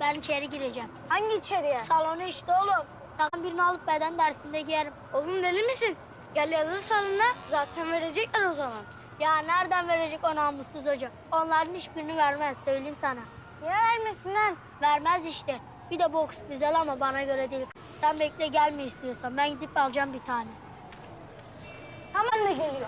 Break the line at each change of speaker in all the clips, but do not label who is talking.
Ben içeri gireceğim.
Hangi içeriye?
Salona işte oğlum. Takım birini alıp beden dersinde giyerim.
Oğlum deli misin? Gel yazı salona. Zaten verecekler o zaman.
Ya nereden verecek o namussuz hoca? Onların hiçbirini vermez söyleyeyim sana.
Niye vermesin lan?
Vermez işte. Bir de boks güzel ama bana göre değil. Sen bekle gelme istiyorsan. Ben gidip alacağım bir tane.
Hemen de geliyor.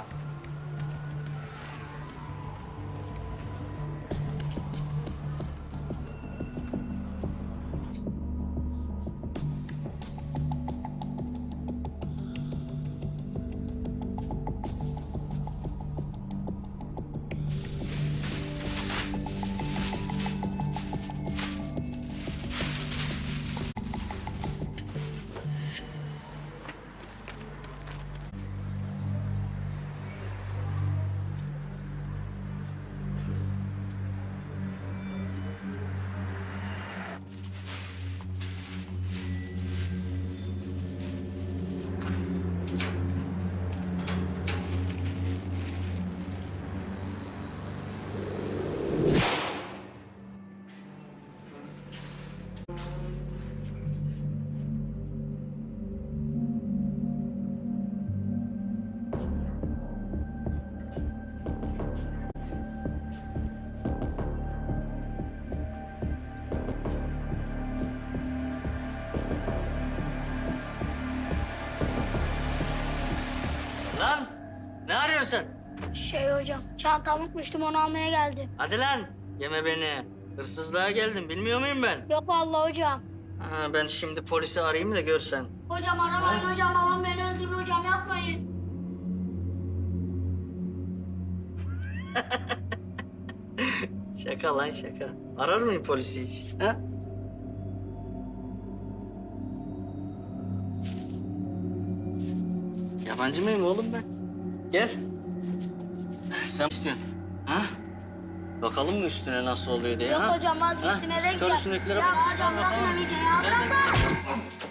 Lan ne arıyorsun sen?
Hocam çantamı unutmuştum onu almaya geldim.
Hadi lan yeme beni. Hırsızlığa geldim bilmiyor muyum ben?
Yok vallahi hocam.
Ha, ben şimdi polisi arayayım da görsen.
Hocam aramayın hocam. Babam beni öldürür hocam yapmayın.
Şaka lan şaka. Arar mıyım polisi hiç? Ha? Yabancı mıyım oğlum ben? Gel. Sen istiyorsun. Ha? Bakalım mı üstüne nasıl oluyor diye
Yok
ha?
hocam vazgeçtim
Ha?
eve
Çıkar
gideceğim.
üstündekilere
Ya
bak.
hocam bırakın iyice ya
Sen de-
bırakın.